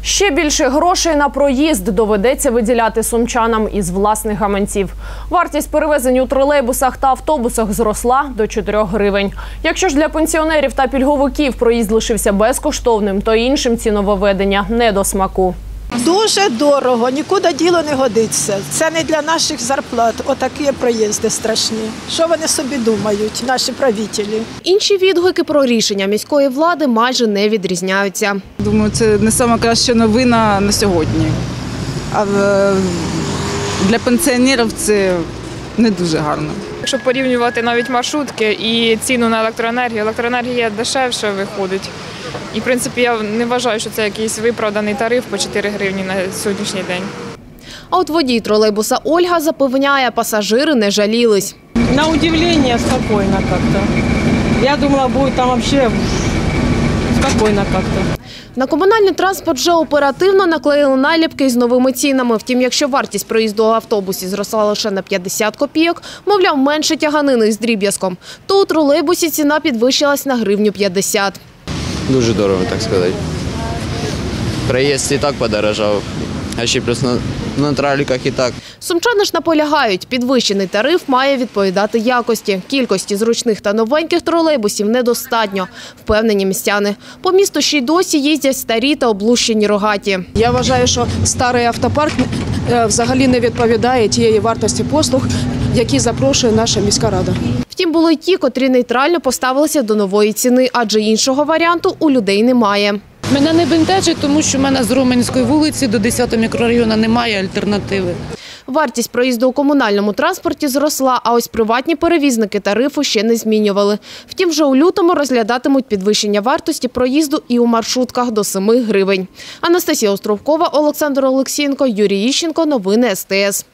Ще більше грошей на проїзд доведеться виділяти сумчанам із власних гаманців. Вартість перевезень у тролейбусах та автобусах зросла до 4 гривень. Якщо ж для пенсіонерів та пільговиків проїзд лишився безкоштовним, то іншим ці нововведення не до смаку. Дуже дорого, нікуди діло не годиться. Це не для наших зарплат. Отакі проїзди страшні. Що вони собі думають, наші правителі? Інші відгуки про рішення міської влади майже не відрізняються. Думаю, це не найкраща новина на сьогодні. А для пенсіонерів це не дуже гарно. Якщо порівнювати навіть маршрутки і ціну на електроенергію, електроенергія дешевше виходить. І, в принципі, я не вважаю, що це якийсь виправданий тариф по 4 гривні на сьогоднішній день. А от водій тролейбуса Ольга запевняє, пасажири не жалілись. На удивление спокойно как-то. Я думала, будет там вообще спокойно как-то. На комунальний транспорт вже оперативно наклеїли наліпки із новими цінами. Втім, якщо вартість проїзду у автобусі зросла лише на 50 копійок, мовляв, менше тяганини з дріб'язком, то у тролейбусі ціна підвищилась на гривню 50. Дуже дорого, так сказати. Проїзд і так подорожав, а ще плюс на тролейбусах і так. Сумчани ж наполягають, підвищений тариф має відповідати якості. Кількості зручних та новеньких тролейбусів недостатньо, впевнені містяни. По місту ще й досі їздять старі та облущені рогаті. Я вважаю, що старий автопарк взагалі не відповідає тієї вартості послуг, які запрошує наша міська рада. Втім, були й ті, котрі нейтрально поставилися до нової ціни, адже іншого варіанту у людей немає. Мене не бентежить, тому що в мене з Роменської вулиці до 10-го мікрорайону немає альтернативи. Вартість проїзду у комунальному транспорті зросла, а ось приватні перевізники тарифу ще не змінювали. Втім, вже у лютому розглядатимуть підвищення вартості проїзду і у маршрутках до 7 гривень. Анастасія Островкова, Олександр Олексієнко, Юрій Іщенко. Новини СТС.